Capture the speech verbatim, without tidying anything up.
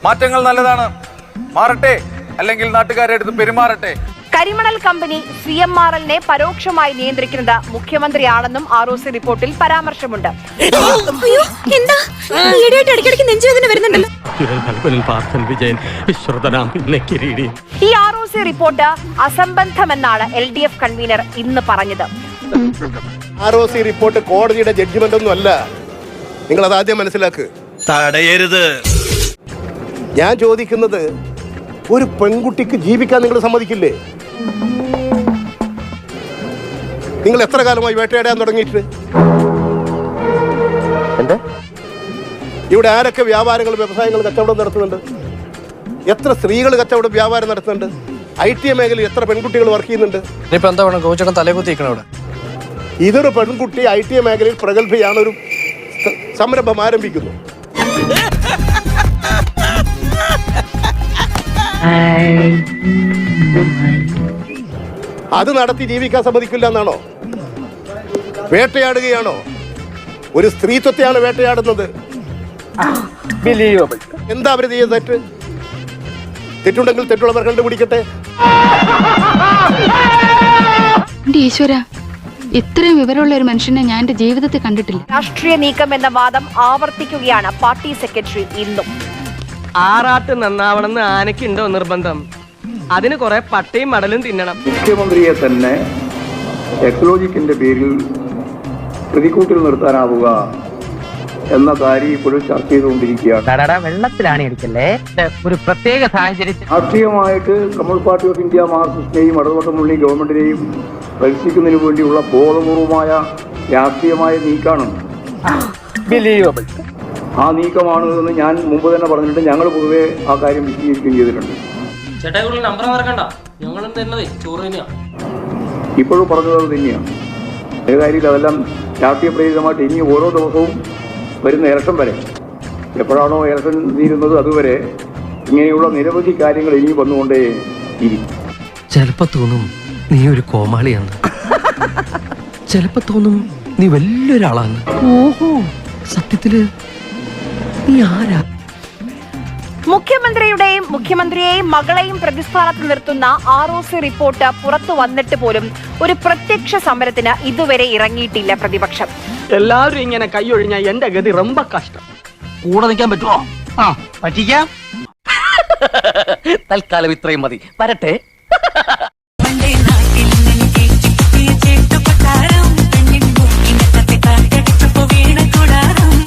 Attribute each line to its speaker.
Speaker 1: മാറ്റങ്ങൾ നല്ലതാണ്, മാറട്ടെ, അല്ലെങ്കിൽ നാട്ടുകാരെ അടുത്ത് പെരുമാറട്ടെ.
Speaker 2: കരിമണൽ കമ്പനി സി എം ആർ എല്ലിനെ പരോക്ഷമായി നിയന്ത്രിക്കുന്നത് മുഖ്യമന്ത്രിയാണെന്നും ആർ ഒ സി റിപ്പോർട്ടിൽ പരാമർശമുണ്ട്. ഈ ആർ ഒ സി റിപ്പോർട്ട് അസംബന്ധമെന്നാണ് എൽ ഡി എഫ് കൺവീനർ ഇന്ന് പറഞ്ഞത്.
Speaker 3: ആർ ഒ സി റിപ്പോർട്ട് കോടതിയുടെ ജഡ്ജ്മെന്റ് ഒന്നും അല്ല, നിങ്ങൾ അത് ആദ്യം മനസ്സിലാക്ക്.
Speaker 4: തടയരുത്.
Speaker 3: ഞാൻ ചോദിക്കുന്നത്, ഒരു പെൺകുട്ടിക്ക് ജീവിക്കാൻ നിങ്ങൾ സമ്മതിക്കില്ലേ? നിങ്ങൾ എത്ര കാലമായി വേട്ടയാടാൻ തുടങ്ങിയിട്ട്? എന്താ ഇവിടെ ആരൊക്കെ വ്യാപാരങ്ങൾ, വ്യവസായങ്ങൾ, കച്ചവടം നടത്തുന്നുണ്ട്? എത്ര സ്ത്രീകൾ കച്ചവടം, വ്യാപാരം നടത്തുന്നുണ്ട്? ഐ ടി മേഖലയിൽ എത്ര പെൺകുട്ടികൾ വർക്ക് ചെയ്യുന്നുണ്ട്? ഇതൊരു പെൺകുട്ടി ഐ ടി മേഖലയിൽ പ്രഗത്ഭയാണ്, ഒരു സംരംഭം ആരംഭിക്കുന്നു. അത് നടത്തി ജീവിക്കാൻ സമ്മതിക്കില്ല എന്നാണോ? വേട്ടയാടുകയാണോ? ഒരു സ്ത്രീത്വത്തെയാണ് വേട്ടയാടുന്നത്. എന്താ അവര് ചെയ്യുന്നത്? തെറ്റ് തെറ്റുണ്ടെങ്കിൽ തെറ്റുള്ളവർ കണ്ടുപിടിക്കട്ടെ.
Speaker 5: ഈശ്വര, ഇത്രയും വിവരമുള്ള ഒരു മനുഷ്യനെ ഞാൻ എന്റെ ജീവിതത്തിൽ കണ്ടിട്ടില്ല.
Speaker 2: രാഷ്ട്രീയ നീക്കം എന്ന വാദം ആവർത്തിക്കുകയാണ് പാർട്ടി സെക്രട്ടറി ഇന്നും.
Speaker 6: ആറാട്ട് നന്നാവണമെന്ന് ആനയ്ക്കുണ്ടോ നിർബന്ധം? അതിന് കുറെ പട്ടയും മടലും തിന്നണം.
Speaker 7: മുഖ്യമന്ത്രിയെ തന്നെ എക്ലോജിക്കിന്റെ പേരിൽ പ്രതിക്കൂട്ടിൽ നിർത്താനാവുക എന്ന കാര്യം ഇപ്പോഴും ചർച്ച ചെയ്തുകൊണ്ടിരിക്കുകയാണ്.
Speaker 6: വെള്ളത്തിലാണ് ഇരിക്കല്ലേ, ഒരു പ്രത്യേക സാഹചര്യത്തിൽ
Speaker 7: രാഷ്ട്രീയമായിട്ട് കമ്മ്യൂണിസ്റ്റ് പാർട്ടി ഓഫ് ഇന്ത്യ മാർക്സിസ്റ്റിനെയും ഇടതുപക്ഷമുള്ളി ഗവൺമെന്റിനെയും പരിശീലിക്കുന്നതിന് വേണ്ടിയുള്ള ബോധപൂർവമായ രാഷ്ട്രീയമായ നീക്കാണ്. ആ നീക്കമാണ് എന്ന് ഞാൻ മുമ്പ് തന്നെ പറഞ്ഞിട്ട് ഞങ്ങൾ പൊതുവെ ആ കാര്യം വിശദീകരിക്കുകയും ചെയ്തിട്ടുണ്ട്. ഇപ്പോഴും പറഞ്ഞത് തന്നെയാണ്. ഏത് കാര്യത്തിൽ അതെല്ലാം രാഷ്ട്രീയ പ്രേരിതമായിട്ട് ഇനി ഓരോ ദിവസവും വരുന്ന ഇലക്ഷൻ വരെ, എപ്പോഴാണോ ഇലക്ഷൻ തീരുന്നത് അതുവരെ ഇങ്ങനെയുള്ള നിരവധി കാര്യങ്ങൾ ഇനി വന്നുകൊണ്ടേ ഇരിക്കും.
Speaker 8: ചിലപ്പോ തോന്നും നീ ഒരു കോമാളിയാണ്, ചിലപ്പോ തോന്നും നീ വലിയൊരാളാണ്. ഓഹോ, സത്യത്തില് നീ ആരാ?
Speaker 2: മുഖ്യമന്ത്രിയുടെയും മുഖ്യമന്ത്രിയെയും മകളെയും പ്രതിസ്ഥാനത്ത് നിർത്തുന്ന ആർ ഒ സി റിപ്പോർട്ട് പുറത്തു വന്നിട്ട് പോലും ഒരു പ്രത്യക്ഷ സമരത്തിന് ഇതുവരെ ഇറങ്ങിയിട്ടില്ല പ്രതിപക്ഷം.
Speaker 6: എല്ലാവരും ഇങ്ങനെ കൈയൊഴിഞ്ഞ എന്റെ ഗതി ரொம்ப കഷ്ടം.
Speaker 8: കൂടെ നിൽക്കാൻ പറ്റുമോ? ആ പറ്റിക്കാം. തൽക്കാലം ഇത്രയും മതി. വരട്ടെ.